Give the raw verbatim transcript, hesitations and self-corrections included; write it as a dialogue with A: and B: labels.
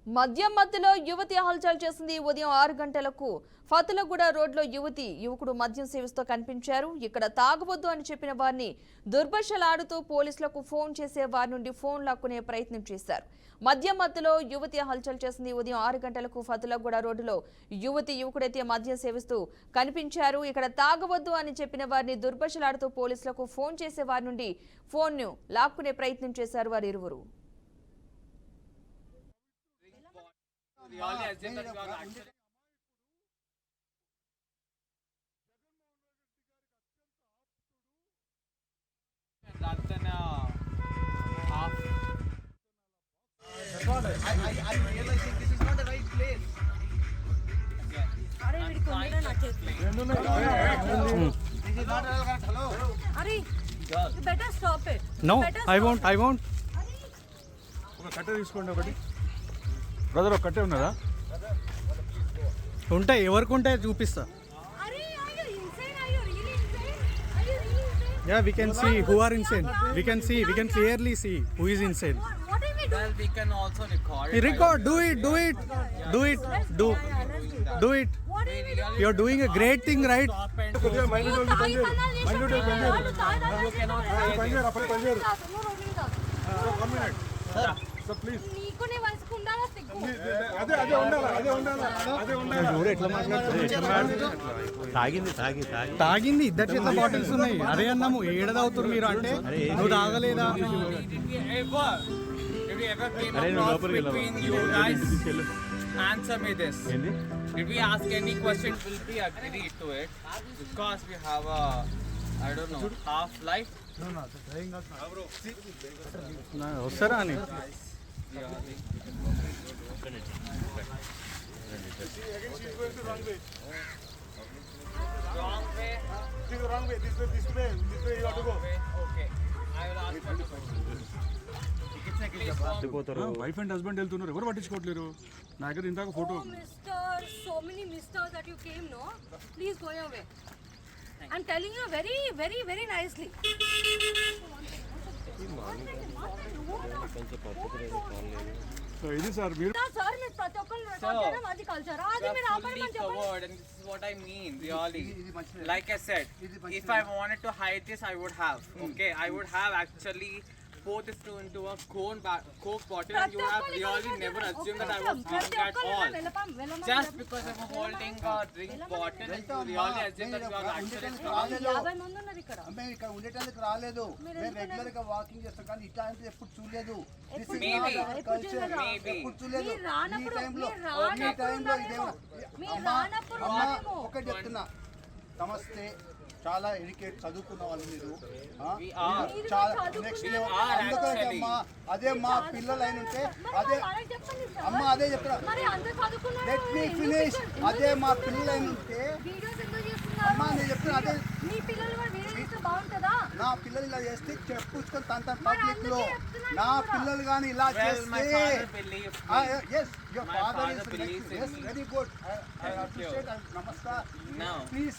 A: మద్యం మత్తులో యువతి హల్చల్ చేసింది. ఉదయం ఆరు గంటలకు ఫతులగూడ రోడ్లో యువతి యువకుడు మద్యం సేవిస్తూ కనిపించారు. ఇక్కడ తాగవద్దు అని చెప్పిన వారిని దుర్భాషలాడుతూ పోలీసులకు ఫోన్ చేసే వారి నుండి ఫోన్ లాక్కునే ప్రయత్నం చేశారు. మద్యం మత్తులో యువతి హల్చల్ చేసింది. ఉదయం ఆరు గంటలకు ఫతులగూడ రోడ్డులో యువతి యువకుడైతే మద్యం సేవిస్తూ కనిపించారు. ఇక్కడ తాగవద్దు అని చెప్పిన వారిని దుర్భాషలాడుతూ పోలీసులకు ఫోన్ చేసే వారి నుండి ఫోన్ ను లాక్కునే ప్రయత్నం చేశారు వారు ఇరువురు.
B: We all assume that you are actually rather than a half.
C: I, I, I realize that this is not the right place.
D: अरे मेरी कोंडा ना check
C: This is not the right. Hello.
D: अरे you better stop it.
E: No,
D: Better
E: I
D: stop
E: won't.
D: it.
E: I won't.
F: ఒక కట్ట తీసుకోండి. ఒకటి brother ఒక కట్టే ఉన్నదా?
E: ఉంటాయి, ఎవరికి ఉంటాయి చూపిస్తా.
D: अरे are you insane? Are you really insane? Are you really insane?
E: Yeah, we can see who are insane. We can see. We can clearly see who is insane.
D: What, what are we doing?
B: Well, we can also record.
E: You record. Do it. Do it. Do it. Do. Do it.
D: What are we doing?
E: You're doing a great thing, right?
F: కొద్దిగా mind
D: నువ్వు తాగి తన్నాలు చేసావు.
F: Mind పని చేయరు.
D: వాళ్ళు తాగి తన్నాలు చేసావు.
F: పని చేయరు. అప్పుడు పని చేయరు.
D: నువ్వు రోడ్డు తాగు.
F: One minute sir please.
D: నీకు నీ వయసుకు ఉండాలా సిగ్గు?
F: అదే అదే ఉండాలి. అదే ఉండాలి. అదే ఉండాలి.
E: ఎట్లా మాట్లాడుతున్నారు?
G: తాగింది తాగి తాగి
E: తాగింది. ఇద్దరు చేత బాటిల్స్ ఉన్నాయి. అదే అన్నాము ఏడదవుతారు మీరు అంటే నువ్వు తాగలేదా?
B: Did we ever, did we ever came
G: అరే నువ్వు
B: across
G: లోపలికి
B: between you guys? Answer me this. Did we ask any question? Will we agree to it? Because we have a, I don't know, half life.
E: వస్తారా అని
B: Wrong way.
F: wrong way. This way. This way. This way you have to go.
B: Okay. I will ask you a question.
F: Wife and husband వెళ్తున్నారు, ఎవరు పట్టించుకోవట్లేరు. నా దగ్గర ఇందాక photo.
D: Oh, mister, so many misters that you came, no? Please go your way. I'm telling you very, very, very nicely.
F: So ఇది sir మీరు
D: sir మీరు ప్రతి ఒక్కరు రికార్డ్ చేయడం అది కల్చర్ అది
B: You
D: మీరు
B: are
D: ఆపడం
B: fully
D: అని చెప్పండి.
B: covered, and this is what I mean, really. Like I said, if I wanted to hide this, I would have. Okay, I would have actually poured this two into a cone ba- coke bottle, and you have really never assumed that I was drunk at all. Just because I'm holding a drink bottle, and you really assume that you are actually drunk.
D: యాభై మంది ఉన్నారు ఇక్కడ.
C: మేము ఇక్కడ ఉండేటానికి రాలేదు. మేము regular గా walking చేస్తాం కానీ ఇట్లాంటిది ఎప్పుడు చూడలేదు. This is
B: Maybe.
C: not our culture.
B: Maybe.
C: ఎప్పుడు చూడలేదు.
D: మీరు రానప్పుడు
C: ఈ టైంలో
D: మీరు
C: ఈ
D: రానప్పుడు
C: టైంలో
D: ఉన్నారేమో.
C: ఇదేమో
D: మీరు
C: అమ్మా
D: రానప్పుడు
C: అమ్మా
D: ఉన్నారేమో.
C: ఒకటి చెప్తున్నా, నమస్తే, చాలా ఎడ్యుకేట్ చదువుకున్న వాళ్ళు మీరు. ఆ?
B: We are.
C: మీరు చాలా
D: చదువుకున్న
C: నెక్స్ట్
B: We
C: లెవెల్.
B: are
C: అందుకని
B: actually.
C: అమ్మా అదే మా పిల్లలు అయిన ఉంటే అదే
D: మరి చెప్పండి సార్.
C: అమ్మ అదే చెప్తున్నా.
D: మరి అందరూ చదువుకున్నారు.
C: లెట్ మీ
D: ఎందుకు
C: ఫినిష్.
D: ఎందుకు
C: అదే మా
D: చేస్తున్నారు?
C: పిల్లలు అయిన ఉంటే
D: వీడియోస్ ఎందుకు చేస్తున్నారు?
C: అమ్మా నేను చెప్తున్నా అదే
D: మీ పిల్లలు కూడా వీడియో చేస్తే బాగుంటుందా?
C: నా పిల్లలు ఇలా చేస్తే చెప్పుకొని తన తన
D: మరి
C: పబ్లిక్ లో
D: అందుకే చెప్తున్నాను
C: నా
D: కూడా.
C: పిల్లలు కానీ ఇలా
B: Well, my
C: చేస్తే
B: father believes me.
C: Yes your
B: My
C: father
B: father believes in
C: is
B: me.
C: Very good. I
B: Thank
C: appreciate. నమస్కార్.
B: No.
C: ప్లీజ్